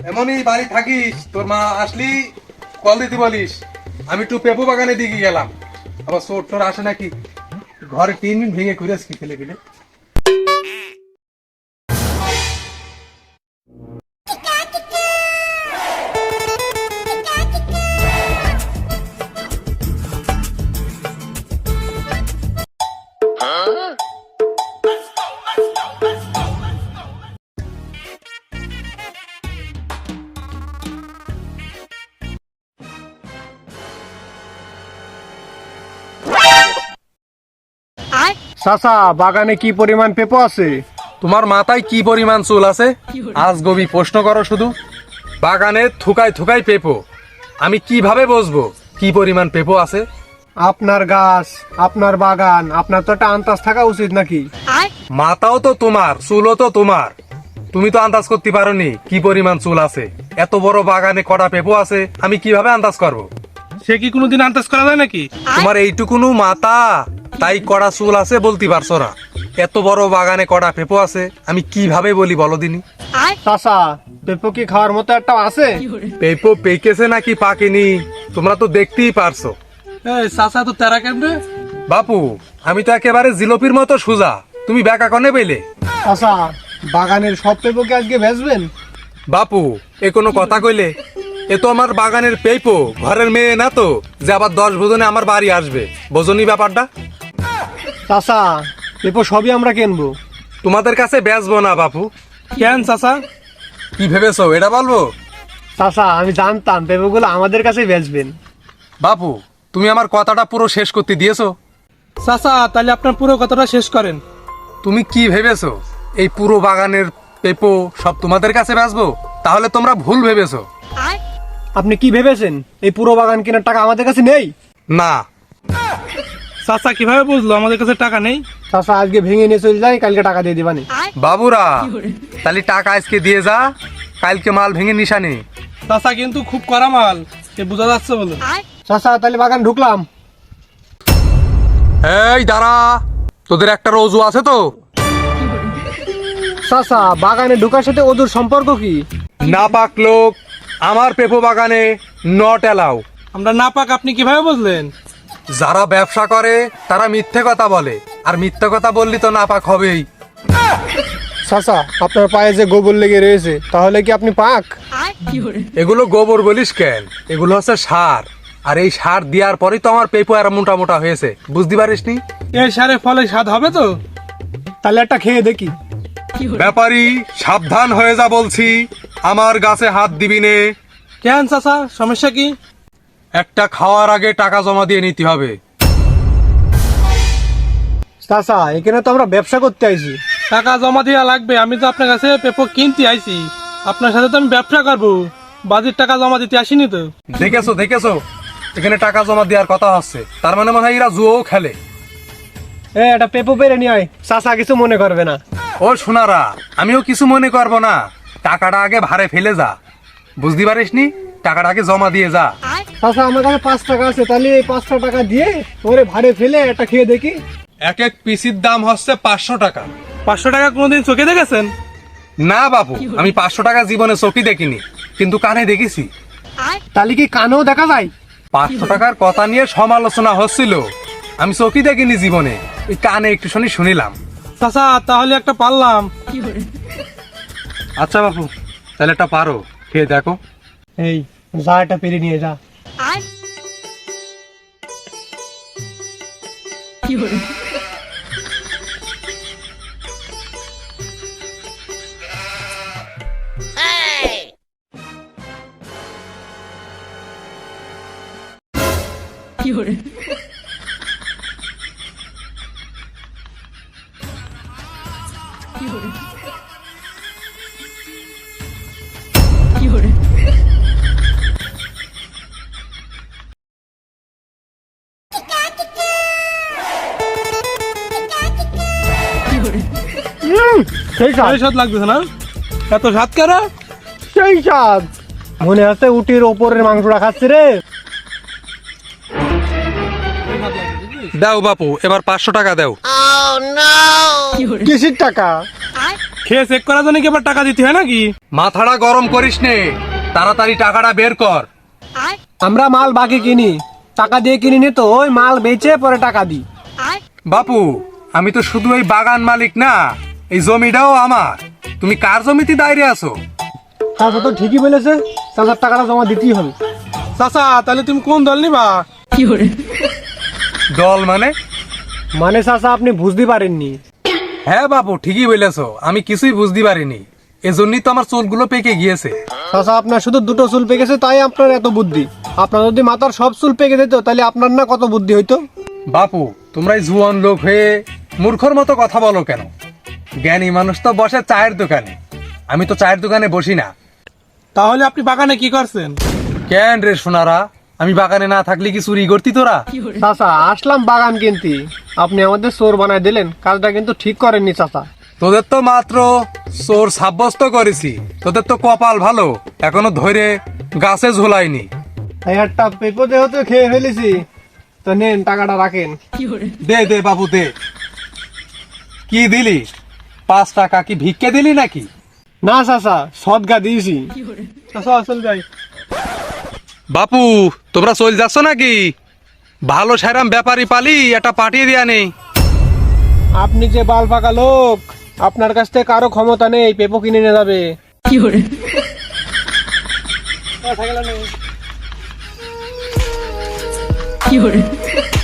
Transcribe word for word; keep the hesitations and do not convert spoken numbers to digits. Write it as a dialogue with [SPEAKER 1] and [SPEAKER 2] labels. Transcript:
[SPEAKER 1] এমনই বাড়ি থাকিস, তোর মা আসলি কল দিতে বলিস। আমি একটু পেপু বাগানের দিকে গেলাম, আবার চোর টোর আসে নাকি, ঘরে তিন মিনিট ভেঙে ঘুরে আসি ফেলে ফেলে।
[SPEAKER 2] চাচা, বাগানে কি পরিমাণ পেঁপো আছে?
[SPEAKER 1] তোমার মাথায় কি পরিমাণ চুল আছে? আজ গবি প্রশ্ন করো শুধু। বাগানে থুকায় থুকায় পেপো, আমি কিভাবে বুঝবো কি পরিমাণ পেপো আছে?
[SPEAKER 2] আপনার গাছ, আপনার বাগান, আপনার তো একটা আন্দাজ থাকা উচিত নাকি?
[SPEAKER 1] মাথাও তো তোমার, চুলও তো তোমার, তুমি তো আন্দাজ করতে পারোনি কি পরিমাণ চুল আছে। এত বড় বাগানে কটা পেপো আছে, আমি কিভাবে আন্দাজ করবো?
[SPEAKER 3] সে কি কোনোদিন আন্দাজ করা যায় নাকি?
[SPEAKER 1] তোমার এইটুকুনু মাথা, তাই কড়া চুল আছে বলতে পারছো না। এত বড় বাগানে কড়া পেপো আছে, আমি কিভাবে বলি বলো দিনি?
[SPEAKER 2] চাচা, পেঁপো কি খাওয়ার মতো একটা আছে?
[SPEAKER 1] পেপো পেকেছে নাকি পাকেনি তোমরা তো দেখতেই পারছো।
[SPEAKER 3] এই চাচা তো তেরা কেমনে?
[SPEAKER 1] বাপু, আমি তো একেবারে জিলোপির মতো সোজা, তুমি ব্যাকা কনে পেলে?
[SPEAKER 2] চাচা, বাগানের সব পেঁপো কি আজকে বেচবেন?
[SPEAKER 1] বাপু, এ কোনো কথা কইলে? এ তো আমার বাগানের পেপো, ঘরের মেয়ে না তো যে আবার দশ ভোজনে আমার বাড়ি আসবে, বোঝনি ব্যাপারটা?
[SPEAKER 2] চাচা, পেঁপো সবই আমরা কিনবো।
[SPEAKER 1] তোমাদের কাছে বেচবো না বাপু।
[SPEAKER 3] কেন চাচা?
[SPEAKER 1] কি ভেবেছো এটা বলবো?
[SPEAKER 2] চাচা, আমি জানতাম পেঁপোগুলো আমাদের কাছেই বেচবেন।
[SPEAKER 1] বাপু, তুমি আমার কথাটা পুরো শেষ করতে দিয়েছো।
[SPEAKER 3] চাচা, তাহলে আপনার পুরো কথাটা শেষ করেন।
[SPEAKER 1] তুমি কি ভেবেছো এই পুরো বাগানের পেপো সব তোমাদের কাছে বেচবো? তাহলে তোমরা ভুল ভেবেছো।
[SPEAKER 2] আপনি কি ভেবেছেন এই পুরো বাগান কেনার টাকা আমাদের কাছে নেই?
[SPEAKER 1] না।
[SPEAKER 3] চাচা কিভাবে বুঝলো আমাদের কাছে টাকা নেই?
[SPEAKER 2] চাচা, আজকে ভেঙে নিয়ে চলে যাই, কালকে টাকা দিয়ে দিবানি।
[SPEAKER 1] বাবুরা, তাহলে টাকা আজকে দিয়ে যা, কালকে মাল ভেঙে নিশানি।
[SPEAKER 3] চাচা কিন্তু খুব কড়া মাল, সে বোঝা যাচ্ছে বলে।
[SPEAKER 2] চাচা, তাহলে বাগান ঢুকলাম।
[SPEAKER 1] এই দাঁড়া, তোদের একটা রোজু আছে তো?
[SPEAKER 2] চাচা, বাগানে ঢোকার সাথে ওদের সম্পর্ক কি?
[SPEAKER 1] না পাক লোক আমার পেপো বাগানে নট এলাও।
[SPEAKER 3] আমরা না পাক আপনি কিভাবে বুঝলেন?
[SPEAKER 1] যারা ব্যবসা করে তারা মিথ্যে কথা বলে, আর মিথ্যে কথা বললি তো না পাক হবেই।
[SPEAKER 2] চাচা, আপনার পায়ে যে গোবর লেগে রয়েছে, তাহলে কি আপনি পাক?
[SPEAKER 1] এগুলো গোবর বলিস কেন? এগুলো হচ্ছে সার, আর এই সার দেওয়ার পরেই তো আমার পেপো আর মোটা মোটা হয়েছে, বুঝতে পারিস নি?
[SPEAKER 3] এই সারে ফলে স্বাদ হবে তো?
[SPEAKER 2] তাহলে একটা খেয়ে দেখি।
[SPEAKER 1] ব্যাপারী, সাবধান হয়ে যা বলছি, আমার গাছে হাত দিবি নে।
[SPEAKER 3] কেন চাচা, সমস্যা কি?
[SPEAKER 1] একটা খাওয়ার আগে টাকা জমা দিয়ে নিতে হবে।
[SPEAKER 2] চাচা, এখানে তো আমরা ব্যবসা করতে আইছি।
[SPEAKER 3] টাকা জমা দেওয়া লাগবে, আমি তো আপনার কাছে পেপো কিনতে আইছি, আপনার সাথে তো আমি ব্যবসা করবো, বাজির টাকা জমা দিতে আসিনি তো।
[SPEAKER 1] দেখেছো দেখেছো, এখানে টাকা জমা দেওয়ার কথা হচ্ছে, তার মানে মনে হয় এরা জুয়ো খেলে।
[SPEAKER 2] এ, একটা পেপো পেরে নিয়ে আয়, চাচা কিছু মনে করবে না।
[SPEAKER 1] ও সোনারা, আমিও কিছু মনে করবো না, টাকাটা আগে ভারে ফেলে যা, বুঝতে পারিস নি? টাকাটা আগে জমা দিয়ে যা।
[SPEAKER 2] চাচা, আমার কাছে পাঁচ টাকা আছে, তাহলে এই পাঁচটা টাকা দিয়ে ওরে ভাড়ে ফেলে একটা খেয়ে দেখি।
[SPEAKER 1] এক এক পিসির দাম হচ্ছে পাঁচশো টাকা।
[SPEAKER 3] পাঁচশো টাকা কোনোদিন চোখে দেখেছেন?
[SPEAKER 1] না বাবু, আমি পাঁচশো টাকা জীবনে চোখে দেখিনি, কিন্তু কানে দেখেছি।
[SPEAKER 2] তাহলে কি কানেও দেখা যায়?
[SPEAKER 1] পাঁচশো টাকার কথা নিয়ে সমালোচনা হচ্ছিল, আমি চোখে দেখিনি জীবনে, ওই কানে একটু শুনি শুনিলাম।
[SPEAKER 3] চাচা, তাহলে একটা পারলাম।
[SPEAKER 1] আচ্ছা বাবু, তাহলে একটা পারো, খেয়ে দেখো।
[SPEAKER 2] এই, যা একটা পেরে নিয়ে যা। সেই স্বাদ,
[SPEAKER 3] এই স্বাদ লাগতেছে না? এত স্বাদ কেন?
[SPEAKER 2] সেই স্বাদ, মনে আছে উটির ওপরের মাংসটা খাচ্ছে রে।
[SPEAKER 1] দাও বাপু, এবার পাঁচশো টাকা দাও।
[SPEAKER 2] কিসির টাকা?
[SPEAKER 3] খেয়ে চেক করার জন্য কি আবার টাকা দিতে হয় নাকি?
[SPEAKER 1] মাথাটা গরম করিস নে, তাড়াতাড়ি টাকাটা বের কর।
[SPEAKER 2] আমরা মাল বাকি কিনি, টাকা দিয়ে কিনি নি তো, ওই মাল বেচে পরে টাকা দিই।
[SPEAKER 1] বাপু, আমি তো শুধু এই বাগান মালিক না, এই জমিটাও আমার। তুমি কার জমিতে দাঁড়িয়ে আছো?
[SPEAKER 2] চাচা তো ঠিকই বলেছে, চাচার টাকাটা জমা দিতেই হবে।
[SPEAKER 3] চাচা তাহলে তুমি কোন দল নিবা?
[SPEAKER 1] দল মানে?
[SPEAKER 2] মানে চাচা আপনি বুঝতে পারেননি।
[SPEAKER 1] হ্যাঁ বাপু, ঠিকই বলেছো, আমি কিছুই বুঝতে পারিনি, এজন্যই তো আমার চুলগুলো পেকে গিয়েছে।
[SPEAKER 2] চাচা আপনার শুধু দুটো চুল পেকেছে, তাই আপনার এত বুদ্ধি। আপনার যদি মাথার সব চুল পেকে যেত তাহলে আপনার না কত বুদ্ধি হইতো।
[SPEAKER 1] বাপু, তোমরা এই জুয়ান লোক হয়ে মূর্খর মতো কথা বলো কেন? জ্ঞানী মানুষ তো বসে চায়ের দোকানে, আমি তো চায়ের দোকানে বসি না।
[SPEAKER 3] তাহলে আপনি বাগানে কি করছেন?
[SPEAKER 1] কেন রে সোনারা, আমি বাগানে না থাকলে কি চুরি করতি তোরা?
[SPEAKER 2] চাচা আসলাম বাগান কিনতে, আপনি আমাদের চোর বানায় দিলেন, কাজটা কিন্তু ঠিক করেননি চাচা।
[SPEAKER 1] তোদের তো মাত্র চোর সাব্যস্ত করেছি, তোদের তো কপাল ভালো, এখনো ধরে গাছে ঝোলাইনি।
[SPEAKER 2] এই একটা পেপো দেহ তো খেয়ে ফেলেছি, তো নেন টাকাটা রাখেন।
[SPEAKER 1] দে দে বাবু দে। কি দিলি? পাঁচ টাকা কি ভিক্ষে দিলি নাকি?
[SPEAKER 2] না চাচা, সদগা দিয়েছি।
[SPEAKER 3] চাচা আসল যাই।
[SPEAKER 1] বাপু, তোমরা চল যাচ্ছ নাকি? ভালো সেরাম ব্যাপারী পালি, এটা পাঠিয়ে দিয়া নেই।
[SPEAKER 2] আপনি যে বাল ফাঁকা লোক, আপনার কাছ থেকে কারো ক্ষমতা নেই পেপো কিনে নিয়ে যাবে।
[SPEAKER 4] কি hore